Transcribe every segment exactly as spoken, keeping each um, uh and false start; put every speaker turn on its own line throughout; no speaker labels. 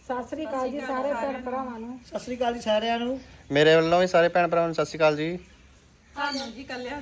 ਸਤਿ ਸ੍ਰੀ ਅਕਾਲ ਜੀ ਸਾਰੇ ਭੈਣ ਭਰਾਵਾਂ ਨੂੰ।
ਸਤਿ ਸ੍ਰੀ ਅਕਾਲ ਜੀ ਸਾਰਿਆਂ ਨੂੰ।
ਮੇਰੇ ਵੱਲੋਂ ਵੀ ਸਾਰੇ ਭੈਣ ਭਰਾਵਾਂ ਨੂੰ ਸਤਿ ਸ੍ਰੀ ਅਕਾਲ ਜੀ।
ਹਾਂਜੀ ਜੀ ਕੱਲਿਆਂ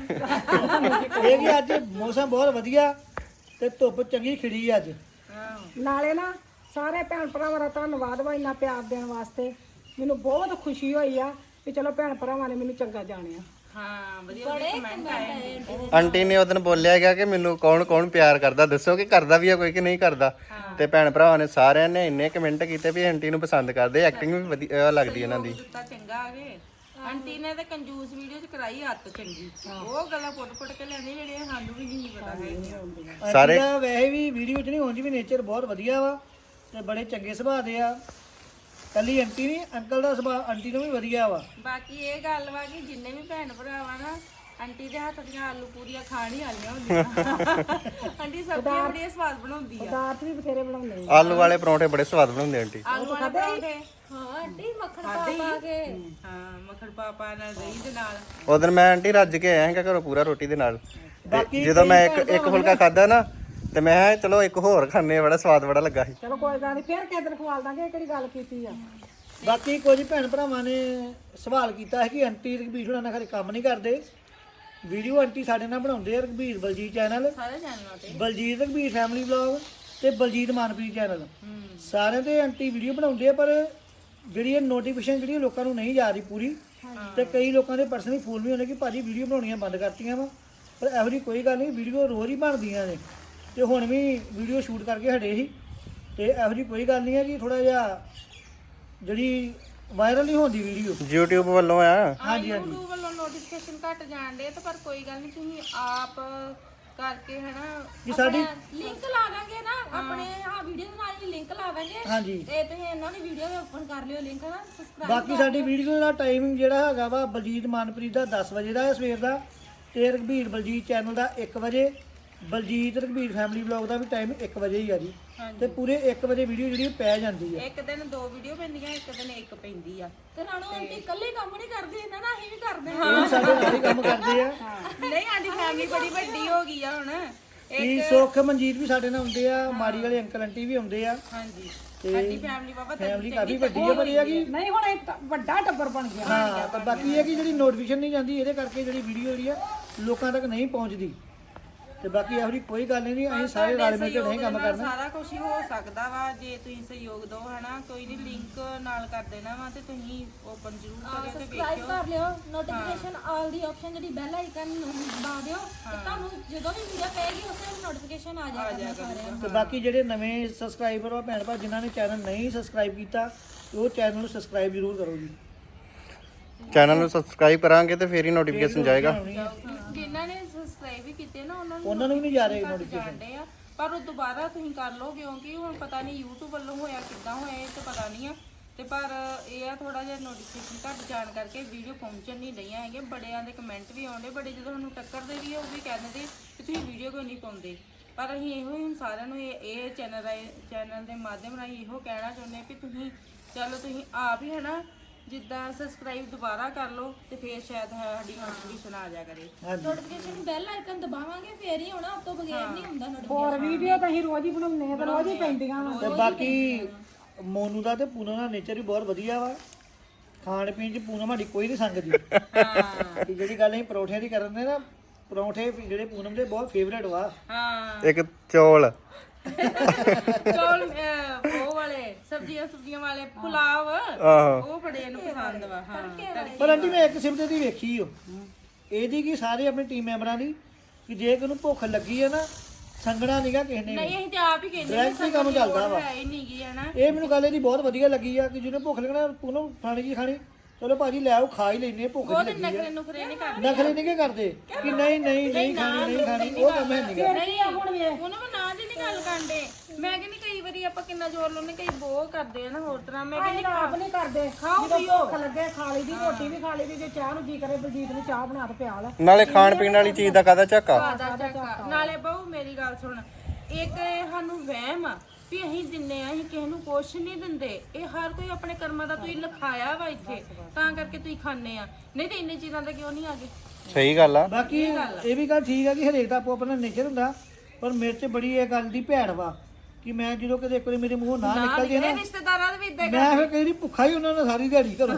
ਇਹ ਵੀ ਅੱਜ ਮੌਸਮ ਬਹੁਤ ਵਧੀਆ ਤੇ ਧੁੱਪ ਚੰਗੀ ਖਿੜੀ ਅੱਜ।
ਨਾਲੇ ਨਾ ਸਾਰੇ ਭੈਣ ਭਰਾਵਾਂ ਦਾ ਧੰਨਵਾਦ ਵਾ ਇੰਨਾ ਪਿਆਰ ਦੇਣ ਵਾਸਤੇ। ਮੈਨੂੰ ਬਹੁਤ ਖੁਸ਼ੀ ਹੋਈ ਆ ਕਿ ਚਲੋ ਭੈਣ ਭਰਾਵਾਂ ਨੇ ਮੈਨੂੰ ਚੰਗਾ ਜਾਣਿਆ।
ਹਾਂ ਵਧੀਆ ਵਧੀਆ ਕਮੈਂਟ ਆਏ।
ਆਂਟੀ ਨੇ ਉਹ ਦਿਨ ਬੋਲਿਆ ਗਿਆ ਕਿ ਮੈਨੂੰ ਕੌਣ ਕੌਣ ਪਿਆਰ ਕਰਦਾ, ਦੱਸੋ ਕਿ ਕਰਦਾ ਵੀ ਆ ਕੋਈ ਕਿ ਨਹੀਂ ਕਰਦਾ। ਤੇ ਭੈਣ ਭਰਾਵਾਂ ਨੇ ਸਾਰਿਆਂ ਨੇ ਇੰਨੇ ਕਮੈਂਟ ਕੀਤੇ ਵੀ ਆਂਟੀ ਨੂੰ ਪਸੰਦ ਕਰਦੇ, ਐਕਟਿੰਗ ਵੀ ਵਧੀਆ ਲੱਗਦੀ ਇਹਨਾਂ ਦੀ।
ਦਿੱਤਾ ਚੰਗਾ ਆਗੇ ਆਂਟੀ ਨੇ ਤਾਂ ਕੰਜੂਸ ਵੀਡੀਓ ਚ ਕਰਾਈ ਹੱਥ ਚੰਗੀ, ਉਹ ਗੱਲਾਂ ਪੁੱਟ ਪੁੱਟ ਕੇ ਲੈਂਦੇ ਜਿਹੜੇ ਸਾਨੂੰ ਵੀ ਨਹੀਂ ਪਤਾ ਹੈ।
ਸਾਰੇ ਵੈਸੇ ਵੀ ਵੀਡੀਓ ਚ ਨਹੀਂ ਹੁੰਦੀ ਵੀ ਨੇਚਰ ਬਹੁਤ ਵਧੀਆ ਵਾ ਤੇ ਬੜੇ ਚੰਗੇ ਸੁਭਾਅ ਦੇ ਆ। ਕੱਲੀ ਆਂਟੀ ਨਹੀਂ, ਅੰਕਲ ਦਾ ਸੁਭਾਅ ਆਂਟੀ ਨੂੰ ਵੀ ਵਧੀਆ ਵਾ।
ਬਾਕੀ ਇਹ ਗੱਲ ਵਾ ਕਿ ਜਿੰਨੇ ਵੀ ਭੈਣ ਭਰਾ ਵਾ ਨਾ ਆਂਟੀ ਦੇ ਹੱਥ ਦੀਆਂ ਆਲੂ ਪੂਰੀਆਂ ਖਾਣ ਹੀ ਆਲੀਆਂ ਹੁੰਦੀਆਂ। ਆਂਟੀ ਸਬਜ਼ੀਆਂ ਬੜੀਆਂ ਸਵਾਦ ਬਣਾਉਂਦੀ ਆ।
ਦਾਤ ਵੀ ਬਥੇਰੇ ਬਣਾਉਂਦੇ
ਆਲੂ ਵਾਲੇ ਪਰੌਂਠੇ ਬੜੇ ਸਵਾਦ ਬਣਾਉਂਦੇ ਆਂਟੀ।
ਆਲੂ ਵਾਲੇ ਪਰੌਂਠੇ
ਹਾਂ ਆਂਟੀ ਮੱਖਣ ਪਾ ਪਾ ਕੇ
ਹਾਂ ਮੱਖਣ ਪਾ ਪਾ ਨਾਲ ਦਹੀਂ ਦੇ ਨਾਲ।
ਉਹ ਦਿਨ ਮੈਂ ਆਂਟੀ ਰੱਜ ਕੇ ਆਇਆ ਸੀਗਾ ਘਰੋਂ ਪੂਰਾ ਰੋਟੀ ਦੇ ਨਾਲ।
ਬਾਕੀ
ਜਦੋਂ ਮੈਂ ਇੱਕ ਇੱਕ ਫੁਲਕਾ ਖਾਦਾ ਨਾ ਤੇ ਮੈਂ ਕਿਹਾ ਚਲੋ ਇੱਕ ਹੋਰ ਖਾਣੇ, ਬੜਾ ਸਵਾਦ ਬੜਾ ਲੱਗਾ ਸੀ।
ਚਲੋ ਕੋਈ ਗੱਲ ਨਹੀਂ, ਫੇਰ ਕਿਸੇ ਦਿਨ ਖਵਾਲ ਦਾਂਗੇ। ਕਿਹੜੀ ਗੱਲ ਕੀਤੀ ਆ।
ਬਾਕੀ ਕੁਝ ਭੈਣ ਭਰਾਵਾਂ ਨੇ ਸਵਾਲ ਕੀਤਾ ਹੈ ਕਿ ਆਂਟੀ ਰਘਬੀਰ ਹੁਣਾਂ ਨਾਲ ਖਰੇ ਕੰਮ ਨਹੀਂ ਕਰਦੇ। ਵੀਡੀਓ ਆਂਟੀ ਸਾਡੇ ਨਾਲ ਬਣਾਉਂਦੇ ਆ, ਰਘਬੀਰ ਬਲਜੀਤ ਚੈਨਲ,
ਸਾਰੇ ਚੈਨਲਾਂ ਤੇ
ਬਲਜੀਤ ਰਘਬੀਰ ਫੈਮਿਲੀ ਵਲੌਗ ਤੇ ਬਲਜੀਤ ਮਾਨਪ੍ਰੀਤ ਚੈਨਲ, ਸਾਰਿਆਂ ਤੇ ਆਂਟੀ ਵੀਡੀਓ ਬਣਾਉਂਦੇ ਆ। ਪਰ ਜਿਹੜੀ ਇਹ ਨੋਟੀਫਿਕੇਸ਼ਨ ਜਿਹੜੀ ਲੋਕਾਂ ਨੂੰ ਨਹੀਂ ਜਾ ਰਹੀ ਪੂਰੀ, ਤੇ ਕਈ ਲੋਕਾਂ ਦੇ ਪਰਸਨਲੀ ਫੋਨ ਵੀ ਹੁੰਦੇ ਕਿ ਭਾਜੀ ਵੀਡੀਓ ਬਣਾਉਣੀਆਂ ਬੰਦ ਕਰਤੀਆਂ ਵਾ। ਪਰ ਇਹੋ ਜਿਹੀ ਕੋਈ ਗੱਲ ਨਹੀਂ, ਵੀਡੀਓ ਰੋਜ਼ ਹੀ ਬਣਦੀਆਂ ਨੇ ਤੇ ਹੁਣ ਵੀ ਵੀਡੀਓ ਸ਼ੂਟ ਕਰਕੇ ਹਟੇ ਸੀ। ਤੇ ਇਹੋ ਜਿਹੀ ਕੋਈ ਗੱਲ ਨਹੀਂ ਹੈ ਕਿ ਥੋੜਾ ਜਿਹਾ ਜਿਹੜੀ ਵਾਇਰਲ ਨਹੀਂ ਹੁੰਦੀ ਵੀਡੀਓ
YouTube ਵੱਲੋਂ ਆ।
ਹਾਂਜੀ ਹਾਂਜੀ YouTube ਵੱਲੋਂ ਨੋਟੀਫਿਕੇਸ਼ਨ ਘਟ ਜਾਣ ਦੇ, ਤੇ ਪਰ ਕੋਈ ਗੱਲ ਨਹੀਂ, ਤੁਸੀਂ ਆਪ ਕਰਕੇ ਹਨਾ
ਕਿ ਸਾਡੀ
ਲਿੰਕ ਲਾ ਦਾਂਗੇ ਨਾ ਆਪਣੇ ਆ ਵੀਡੀਓ ਦੇ ਨਾਲ ਹੀ ਲਿੰਕ ਲਾ ਦਾਂਗੇ।
ਹਾਂਜੀ
ਤੇ ਤੁਸੀਂ ਇਹਨਾਂ ਦੀ ਵੀਡੀਓ ਵੀ ਓਪਨ ਕਰ ਲਿਓ ਲਿੰਕ ਨਾ ਸਬਸਕ੍ਰਾਈਬ।
ਬਾਕੀ ਸਾਡੀ ਵੀਡੀਓ ਦਾ ਟਾਈਮਿੰਗ ਜਿਹੜਾ ਹੈਗਾ ਵਾ ਬਲਜੀਤ ਮਾਨਪ੍ਰੀਤ ਦਾ ਦਸ ਵਜੇ ਦਾ ਹੈ ਸਵੇਰ ਦਾ, ਤੇ ਰਘਬੀਰ ਬਲਜੀਤ ਚੈਨਲ ਦਾ ਇੱਕ ਵਜੇ, ਬਲਜੀਤ ਰਘਬੀਰ ਫੈਮਿਲੀ ਵਲੌਗ ਦਾ ਵੀ ਟਾਈਮ ਇੱਕ ਵਜੇ ਹੀ ਆ ਜੀ। ਤੇ ਪੂਰੇ ਇੱਕ ਵਜੇ ਵੀਡੀਓ ਜਿਹੜੀ ਪੈ ਜਾਂਦੀ ਹੈ।
ਇੱਕ ਦਿਨ ਦੋ ਵੀਡੀਓ ਪੈਂਦੀਆਂ, ਇੱਕ ਦਿਨ ਇੱਕ ਪੈਂਦੀ ਆ।
ਤੇ ਰਾਣੋ ਆਂਟੀ ਇਕੱਲੇ ਕੰਮ ਨਹੀਂ ਕਰਦੇ, ਇਹਨਾਂ ਨਾਲ ਅਸੀਂ ਵੀ ਕਰਦੇ
ਇਹ
ਹਾਂ।
ਵੀ ਸਾਡੇ ਨਾਲ ਹੀ ਕੰਮ ਕਰਦੇ ਆ।
ਨਹੀਂ ਸਾਡੀ ਫੈਮਿਲੀ ਬੜੀ ਵੱਡੀ ਹੋ ਗਈ ਆ ਹੁਣ।
ਕੀ ਸੁੱਖ ਮਨਜੀਤ ਵੀ ਸਾਡੇ ਨਾਲ ਆਉਂਦੇ ਆ, ਮਾੜੀ ਵਾਲੇ ਅੰਕਲ ਆਂਟੀ ਵੀ ਆਉਂਦੇ ਆ।
ਹਾਂਜੀ ਸਾਡੀ ਫੈਮਿਲੀ ਬਾਬਾ
ਫੈਮਿਲੀ ਕਾਫੀ ਵੱਡੀ ਹੈ, ਪਰ ਇਹ ਆ ਕਿ
ਨਹੀਂ ਹੁਣ ਇੱਕ ਵੱਡਾ ਟੱਬਰ ਬਣ ਗਿਆ।
ਹਾਂ, ਪਰ ਬਾਕੀ ਇਹ ਆ ਕਿ ਜਿਹੜੀ ਨੋਟੀਫਿਕੇਸ਼ਨ ਨਹੀਂ ਜਾਂਦੀ, ਇਹਦੇ ਕਰਕੇ ਜਿਹੜੀ ਵੀਡੀਓ ਜਿਹੜੀ ਆ ਲੋਕਾਂ ਤੱਕ ਨਹੀਂ ਪਹੁੰਚਦੀ। ਤੇ ਬਾਕੀ ਇਹੋ ਜਿਹੀ ਕੋਈ ਗੱਲ ਨਹੀਂ, ਅਸੀਂ ਸਾਰੇ ਰਲ ਮਿਲ ਕੇ ਨਹੀਂ ਕੰਮ ਕਰਨਾ।
ਸਾਰਾ ਕੁਝ ਹੀ ਹੋ ਸਕਦਾ ਵਾ ਜੇ ਤੁਸੀਂ ਸਹਿਯੋਗ ਦਿਓ ਹਨਾ। ਕੋਈ ਨਹੀਂ ਲਿੰਕ ਨਾਲ ਕਰ ਦੇਣਾ ਵਾ ਤੇ ਤੁਸੀਂ ਓਪਨ ਜ਼ਰੂਰ ਕਰਿਓ ਤੇ
ਸਬਸਕ੍ਰਾਈਬ
ਵੇਖਿਓ।
ਕਰ ਲਿਓ, ਨੋਟੀਫਿਕੇਸ਼ਨ ਆਲ ਦੀ ਆਪਸ਼ਨ ਜਿਹੜੀ ਬੈਲ ਆਈਕਨ ਨੂੰ ਦਬਾ ਦਿਓ ਤੇ ਤੁਹਾਨੂੰ ਜਦੋਂ ਵੀ ਵੀਡੀਓ ਪਏਗੀ ਉਸੇ ਵੇਲੇ ਨੋਟੀਫਿਕੇਸ਼ਨ ਆ ਜਾਏਗਾ ਸਾਰਿਆਂ ਨੂੰ।
ਤੇ ਬਾਕੀ ਜਿਹੜੇ ਨਵੇਂ ਸਬਸਕ੍ਰਾਈਬਰ ਆ ਭੈਣ ਭਰਾ ਜਿਨ੍ਹਾਂ ਨੇ ਚੈਨਲ ਨਹੀਂ ਸਬਸਕ੍ਰਾਈਬ ਕੀਤਾ, ਉਹ ਚੈਨਲ ਨੂੰ ਸਬਸਕ੍ਰਾਈਬ ਜ਼ਰੂਰ ਕਰੋ ਜੀ।
ਚੈਨਲ ਨੂੰ ਸਬਸਕ੍ਰਾਈਬ ਕਰਾਂਗੇ ਤੇ ਫੇਰ ਹੀ ਨੋਟੀਫਿਕੇਸ਼ਨ ਜਾਏਗਾ।
ਜਿਨ੍ਹਾਂ ਨੇ ਸਬਸਕ੍ਰਾਈਬ ਵੀ ਕੀਤੇ ਨਾ ਉਹਨਾਂ ਨੂੰ
ਉਹਨਾਂ ਨੂੰ ਵੀ ਨਹੀਂ ਜਾ ਰਹੇ ਨੋਟੀਫਿਕੇਸ਼ਨ।
ਜਾਣਦੇ ਆ, ਪਰ ਉਹ ਦੁਬਾਰਾ ਤੁਸੀਂ ਕਰ ਲਓ ਕਿਉਂਕਿ ਹੁਣ ਪਤਾ ਨਹੀਂ YouTube ਵੱਲੋਂ ਹੋਇਆ ਕਿੱਦਾਂ ਹੋਇਆ, ਇਹ ਤਾਂ ਪਤਾ ਨਹੀਂ ਆ। ਤੇ ਪਰ ਇਹ ਆ ਥੋੜਾ ਜਿਹਾ ਨੋਟੀਫਿਕੇਸ਼ਨ ਘੱਟ ਜਾਣ ਕਰਕੇ ਵੀਡੀਓ ਪਹੁੰਚਣ ਨਹੀਂ ਰਹੀਆਂ ਹੈਗੀਆਂ। ਬੜਿਆਂ ਦੇ ਕਮੈਂਟ ਵੀ ਆਉਂਦੇ, ਬੜੇ ਜਦੋਂ ਸਾਨੂੰ ਟੱਕਰਦੇ ਵੀ ਆ ਉਹ ਵੀ ਕਹਿੰਦੇ ਕਿ ਤੁਸੀਂ ਵੀਡੀਓ ਕਿਉਂ ਨਹੀਂ ਪਾਉਂਦੇ। ਪਰ ਅਸੀਂ ਇਹੋ ਹੀ ਹੁਣ ਸਾਰਿਆਂ ਨੂੰ ਇਹ ਇਹ ਚੈਨਲ ਚੈਨਲ ਦੇ ਮਾਧਿਅਮ ਰਾਹੀਂ ਇਹੋ ਕਹਿਣਾ ਚਾਹੁੰਦੇ ਵੀ ਤੁਸੀਂ ਚਲੋ ਤੁਸੀਂ ਆਪ ਹੀ ਹਨਾ ਜਿੱਦਾਂ ਸਬਸਕ੍ਰਾਈਬ ਦੁਬਾਰਾ ਕਰ ਲਓ ਤੇ ਫੇਰ ਸ਼ਾਇਦ ਸਾਡੀ ਨੋਟੀਫਿਕੇਸ਼ਨ ਆ ਜਾ ਕਰੇ।
ਨੋਟੀਫਿਕੇਸ਼ਨ ਬੈਲ ਆਈਕਨ ਦਬਾਵਾਂਗੇ ਫੇਰ ਹੀ ਹੋਣਾ, ਉਸ ਤੋਂ ਬਗੈਰ ਨਹੀਂ ਹੁੰਦਾ ਨੋਟੀਫਿਕੇਸ਼ਨ।
ਹੋਰ ਵੀਡੀਓ ਤਾਂ ਅਸੀਂ ਰੋਜ਼ ਹੀ ਬਣਾਉਂਦੇ ਆ ਤੇ ਰੋਜ਼ ਹੀ ਪੈਂਦੀਆਂ ਵਾ।
ਤੇ ਬਾਕੀ ਮੋਨੂ ਦਾ ਤੇ ਪੂਨਮ ਦਾ ਨੇਚਰ ਵੀ ਬਹੁਤ ਵਧੀਆ ਵਾ। ਖਾਣ ਪੀਣ ਚ ਪੂਨਮ ਸਾਡੀ ਕੋਈ ਨਹੀਂ ਸੰਗਦੀ। ਹਾਂ, ਜਿਹੜੀ ਗੱਲ ਅਸੀਂ ਪਰੌਂਠਿਆਂ ਦੀ ਕਰਨ ਦੇ ਨਾ, ਪਰੌਂਠੇ ਜਿਹੜੇ ਪੂਨਮ ਦੇ ਬਹੁਤ ਫੇਵਰੇਟ ਵਾ।
ਹਾਂ
ਇੱਕ ਚੌਲ
ਚੌਲ ਉਹ ਵਾਲੇ ਸਬਜ਼ੀਆਂ ਸਬਜ਼ੀਆਂ ਵਾਲੇ ਪੁਲਾਵ ਉਹ ਬੜੇ ਇਹਨੂੰ ਪਸੰਦ ਵਾ। ਹਾਂ
ਪਰ ਆਂਟੀ ਮੈਂ ਇੱਕ ਸਿਫਤ ਦੀ ਵੇਖੀ ਓ ਇਹਦੀ ਕਿ ਸਾਰੇ ਆਪਣੀ ਟੀਮ ਮੈਂਬਰਾਂ ਦੀ ਕਿ ਜੇ ਕਿਨੂੰ ਭੁੱਖ ਲੱਗੀ ਹੈ ਨਾ, ਸੰਗਣਾ ਨਹੀਂਗਾ ਕਿਸੇ ਨੇ।
ਨਹੀਂ ਅਸੀਂ ਤੇ ਆਪ ਹੀ ਕਹਿੰਦੇ
ਡਾਇਰੈਕਟ ਹੀ ਕੰਮ ਚੱਲਦਾ ਵਾ।
ਹੈ ਹੀ ਨਹੀਂ ਗੀ ਹਨਾ।
ਇਹ ਮੈਨੂੰ ਗੱਲ ਇਹਦੀ ਬਹੁਤ ਵਧੀਆ ਲੱਗੀ ਆ ਕਿ ਜਿਹਨੇ ਭੁੱਖ ਲੱਗਣਾ ਪੂਨਮ ਖਾਣੀ ਕੀ ਖਾਣੀ, ਚਲੋ ਭਾਜੀ ਲੈ ਆਓ ਖਾ ਹੀ ਲੈਨੇ, ਭੁੱਖ
ਉਹ
ਨਹੀਂ
ਤੇ
ਲੱਗੀ
ਨਖਰੇ
ਆ।
ਨੁਖਰੇ ਨਹੀਂ ਕਰਦੇ।
ਨਖਰੇ ਨਹੀਂ ਕਿ ਕਰਦੇ ਕਿ ਨਹੀਂ ਨਹੀਂ ਨਹੀਂ ਖਾਣੀ ਨਹੀਂ ਖਾਣੀ, ਉਹ ਕੰਮ ਹੈ ਨਹੀਂਗਾ।
ਨਹੀਂ ਹੁਣ ਵੇ ਉਹਨਾਂ ਨੂੰ ਨਾ ਦੀ ਨਹੀਂ ਗੱਲ ਕਰਦੇ। ਮੈਂ ਕਹਿੰਦੀ ਕਈ ਵਾਰੀ ਆਪਾਂ ਕਿੰਨਾ ਜ਼ੋਰ ਲਾਉਂਦੇ, ਕਈ ਬਹੁਤ ਕਰਦੇ ਆ ਨਾ ਹੋਰ ਤਰ੍ਹਾਂ। ਮੈਂ ਕਹਿੰਦੀ
ਆਪ ਨਹੀਂ ਕਰਦੇ,
ਖਾਓ
ਜਦੋਂ
ਪੀਓ।
ਭੁੱਖ ਲੱਗੇ ਖਾ ਲਈ ਦੀ, ਰੋਟੀ ਵੀ ਖਾ ਲਈ ਦੀ। ਜੇ ਚਾਹ ਨੂੰ ਜੀ ਕਰੇ ਬਲਜੀਤ ਨੂੰ ਚਾਹ ਬਣਾ ਕੇ ਪਿਆ ਲੈ।
ਨਾਲੇ ਖਾਣ ਪੀਣ ਵਾਲੀ ਚੀਜ਼ ਦਾ ਕਾਹਦਾ ਝਾਕਾ।
ਆਦਾ ਚੱਕਾ ਨਾਲੇ ਬਹੁ ਮੇਰੀ ਗੱਲ ਸੁਣ, ਇੱਕ ਇਹ ਸਾਨੂੰ ਵਹਿਮ ਆ ਵੀ ਅਸੀਂ ਦਿੰਨੇ ਆ, ਅਸੀਂ ਕਿਸੇ ਨੂੰ ਕੁਛ ਨਹੀਂ ਦਿੰਦੇ। ਇਹ ਹਰ ਕੋਈ ਆਪਣੇ ਕਰਮਾਂ ਦਾ ਤੁਸੀਂ ਲਿਖਾਇਆ ਵਾ ਇੱਥੇ, ਤਾਂ ਕਰਕੇ ਤੁਸੀਂ ਖਾਣੇ ਆ। ਨਹੀਂ ਤੇ ਇੰਨੇ ਚੀਜ਼ਾਂ ਦਾ ਕਿਉਂ ਨਹੀਂ ਆਗੇ।
ਸਹੀ ਗੱਲ ਆ।
ਬਾਕੀ ਇਹ ਵੀ ਗੱਲ ਠੀਕ ਆ ਕਿ ਹਰੇਕ ਦਾ ਆਪੋ ਆਪਣਾ ਨੇਚਰ ਹੁੰਦਾ, ਪਰ ਮੇਰੇ 'ਚ ਬੜੀ ਇਹ ਗੱਲ ਦੀ ਭੈੜ ਵਾ ਕਿ ਮੈਂ ਜਦੋਂ ਕਦੇ ਇੱਕ ਵਾਰੀ ਮੇਰੇ ਮੂੰਹੋਂ ਨਾ ਨਿਕਲ ਜੇ ਨਾ
ਇਹ ਰਿਸ਼ਤੇਦਾਰਾਂ ਦੇ ਵੀ ਇਦਾਂ
ਮੈਂ ਫਿਰ ਕਈ ਵਾਰੀ ਭੁੱਖਾ ਹੀ ਉਹਨਾਂ ਨਾਲ ਸਾਰੀ ਦਿਹਾੜੀ ਘਰੋਂ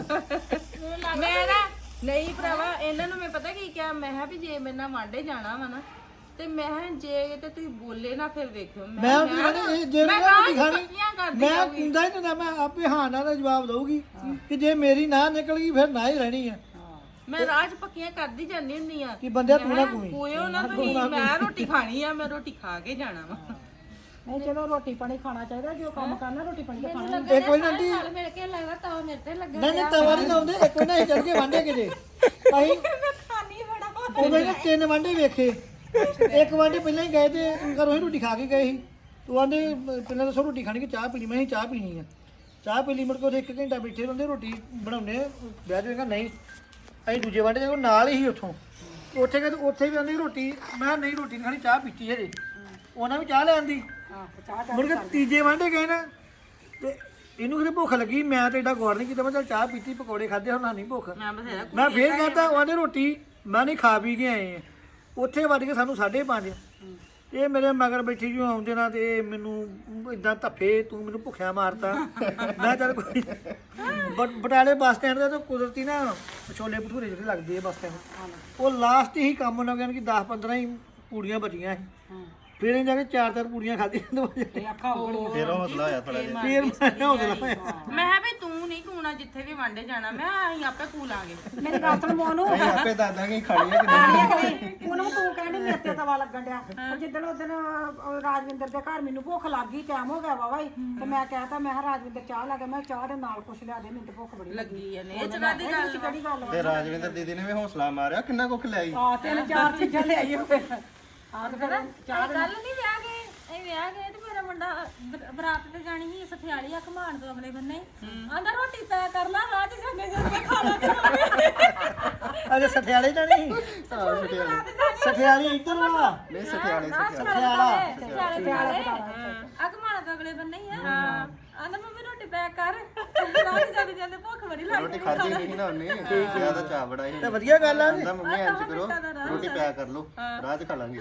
ਮੈਂ ਨਾ ਨਹੀਂ ਭਰਾਵਾ ਇਹਨਾਂ ਨੂੰ ਮੈਂ ਪਤਾ ਕੀ ਕਿਹਾ ਮੈਂ ਕਿਹਾ ਵੀ ਜੇ ਮੇਰੇ ਨਾਲ ਵਾਂਡੇ ਜਾਣਾ ਵਾ ਨਾ ਤੇ ਮੈਂ ਕਿਹਾ ਜੇ ਤੇ ਤੁਸੀਂ ਬੋਲੇ ਨਾ ਫਿਰ ਵੇਖਿਓ
ਮੈਂ ਉਹਦੀ ਖਾਣੀ ਇਹ ਜੇ ਮੈਂ ਰੋਟੀ ਖਾਣੀ ਮੈਂ ਕੁੰਦਾ ਹੀ ਨਾ ਮੈਂ ਆਪੇ ਹਾਂ ਨਾਲ ਦਾ ਜਵਾਬ ਦਊਗੀ ਕਿ ਜੇ ਮੇਰੀ ਨਾ ਨਿਕਲ ਗਈ ਫਿਰ ਨਾ ਹੀ ਰਹਿਣੀ ਆ
ਮੈਂ ਰਾਜ ਪੱਕੀਆਂ ਕਰਦੀ ਜਾਂਦੀ ਹੁੰਦੀ ਆ
ਕਿ ਬੰਦਿਆ ਤੂੰ ਨਾ ਕੋਈ
ਕੋਇਓ ਨਾ ਤੁਸੀਂ ਮੈਂ ਰੋਟੀ ਖਾਣੀ ਆ ਮੈਂ ਰੋਟੀ ਖਾ ਕੇ ਜਾਣਾ ਵਾ
ਨਹੀਂ ਚਲੋ ਰੋਟੀ ਪਾਣੀ ਖਾਣਾ ਚਾਹੀਦਾ ਜੋ ਕੰਮ ਕਰਨਾ ਰੋਟੀ ਪਾਣੀ ਤਾਂ ਖਾਣਾ
ਇੱਕ ਵਾਰੀ ਆਂਟੀ
ਨਾਲ ਮਿਲ ਕੇ ਲੱਗਦਾ ਤਵਾ ਮੇਰੇ ਤੇ ਲੱਗਾ
ਨਹੀਂ ਨਹੀਂ ਤਵਾ ਨਹੀਂ ਲਾਉਂਦੇ ਇੱਕ ਵਾਰੀ ਨਾ ਅਸੀਂ ਚੱਲ ਕੇ ਵਾਂਡੇ ਕਿਤੇ ਅਸੀਂ
ਮੈਂ ਖਾਣੀ ਬੜਾ
ਉਹਦੇ ਨੇ ਤਿੰਨ ਵਾਂਡੇ ਵੇਖੇ ਇੱਕ ਵਾਂਡੇ ਪਹਿਲਾਂ ਹੀ ਗਏ ਤੇ ਘਰੋਂ ਹੀ ਰੋਟੀ ਖਾ ਕੇ ਗਏ ਸੀ ਤੂੰ ਆਂਦੇ ਪਹਿਲਾਂ ਦੱਸੋ ਰੋਟੀ ਖਾਣੀ ਕਿ ਚਾਹ ਪੀਣੀ ਮੈਂ ਕਿਹਾ ਚਾਹ ਪੀਣੀ ਆ ਚਾਹ ਪੀ ਲਈ ਮੁੜ ਕੇ ਉੱਥੇ ਇੱਕ ਘੰਟਾ ਬੈਠੇ ਰਹਿੰਦੇ ਰੋਟੀ ਬਣਾਉਣੇ ਵਿਆਹ ਜਾਏਗਾ ਨਹੀਂ ਅਸੀਂ ਦੂਜੇ ਵਾਂਡੇ ਦੇ ਨਾਲ ਹੀ ਉੱਥੋਂ ਉੱਥੇ ਗਏ ਉੱਥੇ ਵੀ ਆਂਦੀ ਰੋਟੀ ਮੈਂ ਨਹੀਂ ਰੋਟੀ ਨਹੀਂ ਖਾਣੀ ਚਾਹ ਪੀਤੀ ਹਜੇ ਉਹਨਾਂ ਵੀ ਚਾਹ ਲੈਣ ਦੀ ਮੁੜ ਕੇ ਤੀਜੇ ਵਾਂਡੇ ਗਏ ਨਾ ਤੇ ਇਹਨੂੰ ਕਿਤੇ ਭੁੱਖ ਲੱਗੀ ਮੈਂ ਤੇ ਏਡਾ ਗੌਰ ਨਹੀਂ ਕੀਤਾ ਮੈਂ ਚੱਲ ਚਾਹ ਪੀਤੀ ਪਕੌੜੇ ਖਾਦੇ ਹੁਣ ਨਹੀਂ ਭੁੱਖ
ਮੈਂ ਬਥੇਰਾ
ਮੈਂ ਫੇਰ ਕਹਤਾ ਉਹਨੇ ਰੋਟੀ ਮੈਂ ਨਹੀਂ ਖਾ ਪੀ ਕੇ ਆਏ ਆ ਉੱਥੇ ਵੱਜ ਕੇ ਸਾਨੂੰ ਸਾਢੇ ਪੰਜ ਇਹ ਮੇਰੇ ਮਗਰ ਬੈਠੀ ਜਿਉਂ ਆਉਂਦੇ ਨਾ ਤੇ ਇਹ ਮੈਨੂੰ ਇਦਾਂ ਧੱਫੇ ਤੂੰ ਮੈਨੂੰ ਭੁੱਖਿਆ ਮਾਰਤਾ ਮੈਂ ਚੱਲ ਕੋਈ ਬ- ਬਟਾਲੇ ਬੱਸ ਸਟੈਂਡ ਤੇ ਤਾਂ ਕੁਦਰਤੀ ਨਾ ਛੋਲੇ ਭਟੂਰੇ ਜਿਹੜੇ ਲੱਗਦੇ ਆ ਬੱਸ ਸਟੈਂਡ ਉਹ ਲਾਸਟ ਹੀ ਕੰਮ ਉਹਨਾਂ ਕਹਿੰਦੇ ਕਿ ਦਸ ਪੰਦਰਾਂ ਹੀ ਪੂੜੀਆਂ ਬਚੀਆਂ ਸੀ ਫਿਰ ਇਹ ਜਾ ਕੇ ਚਾਰ ਚਾਰ ਪੂੜੀਆਂ ਖਾਧੀਆਂ
ਫਿਰ ਹੌਸਲਾ ਹੋਇਆ ਥੋੜਾ ਜਿਹਾ
ਫਿਰ ਮੈਂ ਹੌਸਲਾ ਹੋਇਆ
ਮੈਂ ਕਿਹਾ ਵੀ ਤੂੰ ਨਹੀਂ ਕੂਣਾ ਜਿੱਥੇ ਵੀ ਵਾਂਡੇ ਜਾਣਾ ਮੈਂ ਕਿਹਾ ਅਸੀਂ ਆਪੇ ਕੂ ਲਾਂਗੇ
ਮੇਰੀ ਗੱਲ ਸੁਣ ਮੋਨੂ
ਅਸੀਂ ਆਪੇ ਦੱਸ ਦਾਂਗੇ ਖਾਣੀ ਹੈ ਕਿ ਨਹੀਂ
ਉਹਨੂੰ ਤੂੰ ਕਹਿੰਦੀ ਮੇਰੇ ਤੇ ਤਵਾ ਲੱਗਣ ਡਿਆ ਉਹ ਜਿੱਦਣ ਉਦਣ ਰਾਜਵਿੰਦਰ ਦੇ ਘਰ ਮੈਨੂੰ ਭੁੱਖ ਲੱਗ ਗਈ ਟਾਈਮ ਹੋ ਗਿਆ ਵਾਵਾ ਹੀ ਤੇ ਮੈਂ ਕਹਿਤਾ ਮੈਂ ਕਿਹਾ ਰਾਜਵਿੰਦਰ ਚਾਹ ਲੈ ਕੇ ਮੈਂ ਚਾਹ ਦੇ ਨਾਲ ਕੁਛ ਲਿਆ ਦੇ ਮੈਨੂੰ ਤੇ ਭੁੱਖ ਬੜੀ ਲੱਗੀ
ਲੱਗੀ ਆ ਨੇ ਇਹ ਚਗਾ ਦੀ ਗੱਲ
ਕਿਹੜੀ ਗੱਲ ਵਾ
ਤੇ ਰਾਜਵਿੰਦਰ ਦੀਦੀ ਨੇ ਵੀ ਹੌਸਲਾ ਮਾਰਿਆ ਕਿੰਨਾ ਕੁੱਖ ਲਿਆਈ
ਆ ਤਿੰਨ ਚਾਰ ਚੀਜ਼ਾਂ ਲਿਆਈ ਫਿਰ ਆ ਤੇ ਫਿਰ
ਚਾਹ ਕੱਲ ਨਹੀਂ ਵਿਆਹ ਗਏ ਇਹ ਵਿਆਹ ਗਏ ਤੇ ਮੇਰਾ ਮੁੰਡਾ ਬ- ਬਰਾਤ ਤੇ ਜਾਣੀ ਸੀ ਸਠਿਆਲੀ ਆ ਘਮਾਣ ਤੋਂ ਅਗਲੇ ਬੰਨੇ ਆਂਦਾ ਰੋਟੀ ਪੈ ਕਰ ਲਾ ਰਾਹ ਚ ਜਾਂਦੇ ਜਾਂਦੇ ਖਾਣਾ ਕਰਾਂਗੇ
ਅਜੇ ਸਠਿਆਲੇ ਜਾਣੀ ਸਠਿਆਲੀ ਇੱਧਰ ਵਾ
ਨਹੀਂ ਸਠਿਆਲੇ
ਸਠਿਆਲਾ
ਸਠਿਆਲੇ ਸਠਿਆਲੇ ਆ ਘਮਾਣ ਤੋਂ ਅਗਲੇ ਬੰਨੇ ਹੀ ਆ ਆਂਦਾ ਮੰਮੀ ਰੋਟੀ ਪੈ ਕਰ ਰਾਹ ਚ ਜਾਂਦੇ ਜਾਂਦੇ ਭੁੱਖ ਬੜੀ
ਰੋਟੀ
ਲੱਗਦੀ
ਖਾਧੀ ਨਹੀਂ ਨਾ ਉਹਨੇ ਜਿਆਦਾ ਚਾਹ ਬੜਾ ਹੀ
ਤੇ ਵਧੀਆ ਗੱਲ ਆ
ਕਹਿੰਦਾ ਮੰਮੀ ਇੰਜ ਕਰੋ ਰੋਟੀ ਪਿਆ ਕਰ ਲਓ ਰਾਹ 'ਚ ਖਾ ਲਾਂਗੇ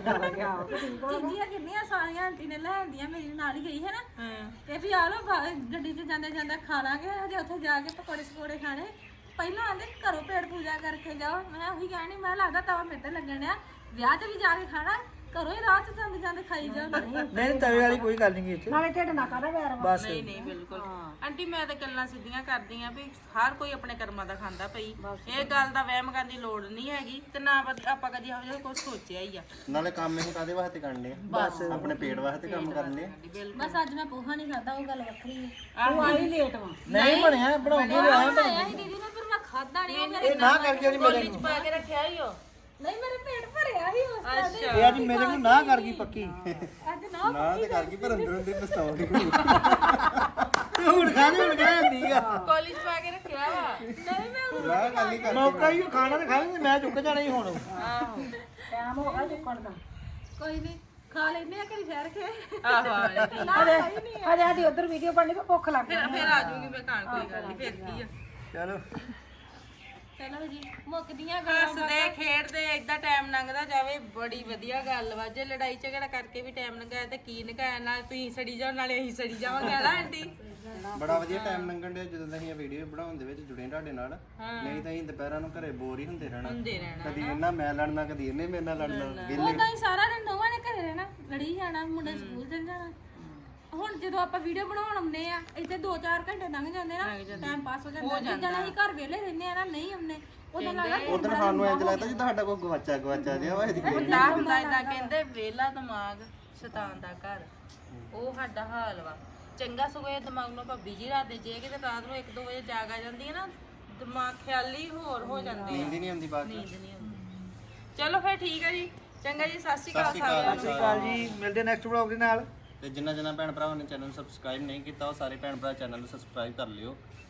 ਚੀਜ਼ੀਆਂ ਕਿੰਨੀਆਂ ਸਾਰੀਆਂ ਆਂਟੀ ਨੇ ਲੈ ਆਂਦੀਆਂ ਮੇਰੀ ਨਾਲ ਹੀ ਗਈ ਹੈ ਨਾ ਤੇ ਵੀ ਆ ਲੋ ਗੱਡੀ 'ਚ ਜਾਂਦੇ ਜਾਂਦੇ ਖਾ ਲਾਂਗੇ ਹਜੇ ਉੱਥੇ ਜਾ ਕੇ ਪਕੌੜੇ ਸਕੋੜੇ ਖਾਣੇ ਪਹਿਲਾਂ ਆਂਦੇ ਘਰੋਂ ਪੇਟ ਪੂਜਾ ਕਰਕੇ ਜਾਓ ਮੈਂ ਉਹੀ ਕਹਿਣੀ ਮੈਂ ਲੱਗਦਾ ਤਵਾ ਮੇਰੇ ਤੇ ਲੱਗਣ ਆ ਵਿਆਹ 'ਚ ਵੀ ਜਾ ਕੇ ਖਾਣਾ ਘਰੋਂ ਹੀ ਰਾਹ 'ਚ ਜਾਂਦੇ ਜਾਂਦੇ ਖਾਈ ਜਾਓ ਨਹੀਂ
ਨਹੀਂ ਤਵੇ ਵਾਲੀ ਕੋਈ ਗੱਲ ਨਹੀਂ ਇੱਥੇ
ਨਾਲੇ ਢਿੱਡ ਨਾ ਕਾਹਦਾ ਵੈਰ ਵਾ
ਬਸ
ਨਹੀਂ ਨਹੀਂ ਬਿਲਕੁਲ ਆਂਟੀ ਮੈਂ ਤਾਂ ਗੱਲਾਂ ਸਿੱਧੀਆਂ ਕਰਦੀ ਆ ਵੀ ਹਰ ਕੋਈ ਆਪਣੇ ਕਰਮਾਂ ਦਾ ਖਾਂਦਾ ਪਈ ਇਹ ਗੱਲ ਦਾ ਵਹਿਮ ਕਰਨ ਦੀ ਲੋੜ ਨਹੀਂ ਹੈਗੀ ਤੇ ਨਾ ਬ- ਆਪਾਂ ਕਦੀ ਇਹੋ ਜਿਹਾ ਕੁਝ ਸੋਚਿਆ ਹੀ ਆ
ਨਾਲੇ ਕੰਮ ਇਹ ਕਾਦੇ ਵਾਸਤੇ ਕਰਨੇ ਆ ਬਸ ਆਪਣੇ ਪੇਟ ਵਾਸਤੇ ਕੰਮ ਕਰਨੇ ਆ
ਬਸ ਅੱਜ ਮੈਂ ਪੋਹਾ ਨਹੀਂ ਖਾਦਾ ਉਹ ਗੱਲ ਵੱਖਰੀ ਹੈ
ਤੂੰ ਆਈ ਲੇਟ ਵਾ
ਨਹੀਂ ਬਣਿਆ ਬਣਾਉਂਦੇ ਰਿਹਾ
ਆਇਆ ਸੀ ਦੀਦੀ ਨੇ ਪਰ ਮੈਂ ਖਾਦਾ ਨਹੀਂ ਉਹ ਮੇਰੇ
ਇਹ ਨਾ ਕਰਕੇ ਨਹੀਂ ਮੇਰੇ
ਪਾ ਕੇ ਰੱਖਿਆ ਹੀ ਹੋ
ਨਹੀਂ ਮੇਰੇ ਪੇਟ ਭਰਿਆ ਸੀ ਉਸ ਤਰ੍ਹਾਂ ਦੇ
ਇਹ ਅੱਜ ਮੇਰੇ ਨੂੰ ਨਾ ਕਰ ਗਈ ਪੱਕੀ
ਅੱਜ ਨਾ
ਨਾ ਤੇ ਕਰ ਗਈ ਪਰ ਅੰਦਰੋਂ ਦੀ ਪਛਤਾਉਂਦੀ
ਤੇ ਹੁਣ ਖਾਣੇ ਹੁਣ ਕਹਿ ਠੀਕ ਆ
ਕਾਲਜ ਪਾ ਕੇ ਰੱਖਿਆ ਵਾ
ਨਹੀਂ ਮੈਂ
ਨਾ ਗੱਲ ਹੀ ਕਰ
ਮੌਕਾ ਹੀ ਉਹ ਖਾਣਾ ਤੇ ਖਾਣਾ ਮੈਂ ਚੁੱਕ ਜਾਣਾ ਹੀ ਹੁਣ
ਆਹੋ
ਟਾਈਮ ਹੋ ਗਿਆ ਚੁੱਕਣ ਦਾ
ਕੋਈ ਨਹੀਂ ਖਾ ਲੈਨੇ ਆ ਘੜੀ ਠਹਿਰ ਕੇ
ਆਹੋ ਆਂਟੀ।
ਹਜੇ ਆਦੀ ਉਧਰ ਵੀਡੀਓ ਬਣਨੀ ਤੇ ਭੁੱਖ ਲੱਗ
ਫਿਰ ਫਿਰ ਆ ਜਾਊਗੀ ਮੈਂ ਖਾਣ ਕੋਈ ਗੱਲ ਨਹੀਂ ਫਿਰ ਕੀ ਆ
ਚਲੋ
ਚਲੋ ਜੀ ਮੁੱਕਦੀਆਂ ਗੱਲਾਂ
ਹੱਸਦੇ ਖੇਡਦੇ ਏਦਾਂ ਟਾਈਮ ਲੰਘਦਾ ਜਾਵੇ ਬੜੀ ਵਧੀਆ ਗੱਲ ਵਾ ਜੇ ਲੜਾਈ ਝਗੜਾ ਕਰਕੇ ਵੀ ਟਾਈਮ ਲੰਘਾਇਆ ਤੇ ਕੀ ਲੰਘਾਇਆ ਨਾਲ ਤੁਸੀਂ ਸੜੀ ਜਾਓ ਨਾਲੇ ਅਸੀਂ ਸੜੀ ਜਾਵਾਂਗੇ ਨਾ ਆਂਟੀ
ਬੜਾ ਵਧੀਆ ਟਾਈਮ ਲੰਘਣ ਡਿਆ ਜਦੋਂ ਦਾ ਅਸੀਂ ਇਹ ਵੀਡੀਓ ਬਣਾਉਣ ਦੇ ਵਿੱਚ ਜੁੜੇ ਤੁਹਾਡੇ ਨਾਲ ਨਹੀਂ ਤਾਂ ਅਸੀਂ ਦੁਪਹਿਰਾਂ ਨੂੰ ਘਰੇ ਬੋਰ ਹੀ ਹੁੰਦੇ ਰਹਿਣਾ
ਹੁੰਦੇ ਰਹਿਣਾ
ਕਦੀ ਇਹਨਾਂ ਮੈਂ ਲੜਨਾ ਕਦੀ ਇਹਨੇ ਮੇਰੇ ਨਾਲ ਲੜਨਾ ਵਿਹਲੇ
ਉਦਾਂ ਹੀ ਸਾਰਾ ਦਿਨ ਦੋਵਾਂ ਨੇ ਘਰੇ ਰਹਿਣਾ ਲੜੀ ਜਾਣਾ ਮੁੰਡੇ ਸਕੂਲ ਚਲ ਜਾਣਾ ਹੁਣ ਜਦੋਂ ਆਪਾਂ ਵੀਡੀਓ ਬਣਾਉਣ ਆਉਂਦੇ ਆ ਇੱਥੇ ਦੋ ਚਾਰ ਘੰਟੇ ਲੰਘ ਜਾਂਦੇ ਨਾ ਟਾਈਮ ਪਾਸ ਹੋ ਜਾਂਦਾ ਜਿੱਦਾਂ ਅਸੀਂ ਘਰ ਵਿਹਲੇ ਰਹਿੰਦੇ ਆ ਨਾ ਨਹੀਂ ਆਉਂਦੇ ਉਦੋਂ ਲੱਗਦਾ
ਉਧਰ ਸਾਨੂੰ ਇੰਜ ਲੱਗਦਾ ਜਿੱਦਾਂ ਸਾਡਾ ਕੋਈ ਗਵਾਚਾ ਗਵਾਚਾ ਜਿਹਾ ਵਾ ਇਹਦੀ ਕੋਈ
ਹੁੰਦਾ ਹੁੰਦਾ ਏਦਾਂ ਕਹਿੰਦੇ ਵੇਲਾ ਦਿਮਾਗ ਸ਼ੈਤਾਨ ਦਾ ਘਰ ਉਹ ਸਾਡਾ ਹਾਲ ਵਾ ਚੰਗਾ ਸਗੋਂ ਇਹ ਦਿਮਾਗ ਨੂੰ ਆਪਾਂ ਬਿਜੀ ਰੱਖਦੇ ਜੇ ਕਿਤੇ ਰਾਤ ਨੂੰ ਇੱਕ ਦੋ ਵਜੇ ਜਾਗ ਆ ਜਾਂਦੀ ਹੈ ਨਾ ਦਿਮਾਗ ਖਿਆਲੀ ਹੋਰ ਹੋ ਜਾਂਦੇ ਆ
ਨੀਂਦ ਹੀ ਨਹੀਂ ਆਉਂਦੀ ਬਾਅਦ
ਨੀਂਦ ਨਹੀਂ ਆਉਂਦੀ ਚਲੋ ਫਿਰ ਠੀਕ ਹੈ ਜੀ ਚੰਗਾ ਜੀ ਸਤਿ ਸ਼੍ਰੀ ਅਕਾਲ
ਸਤਿ ਸ਼੍ਰੀ ਅਕਾਲ।
ਸਾਰਿਆਂ ਨੂੰ
ਸਤਿ ਸ਼੍ਰੀ ਅਕਾਲ ਜੀ ਮਿਲਦੇ ਨੈਕਸਟ ਵਲੌਗ ਦੇ ਨਾਲ
ਤੇ ਜਿੰਨਾ ਜਿੰਨਾ ਭੈਣ ਭਰਾਵਾਂ ਨੇ ਚੈਨਲ ਨੂੰ ਸਬਸਕ੍ਰਾਈਬ ਨਹੀਂ ਕੀਤਾ ਉਹ ਸਾਰੇ ਭੈਣ ਭਰਾ ਚੈਨਲ ਨੂੰ ਸਬਸਕ੍ਰਾਈਬ ਕਰ ਲਿਓ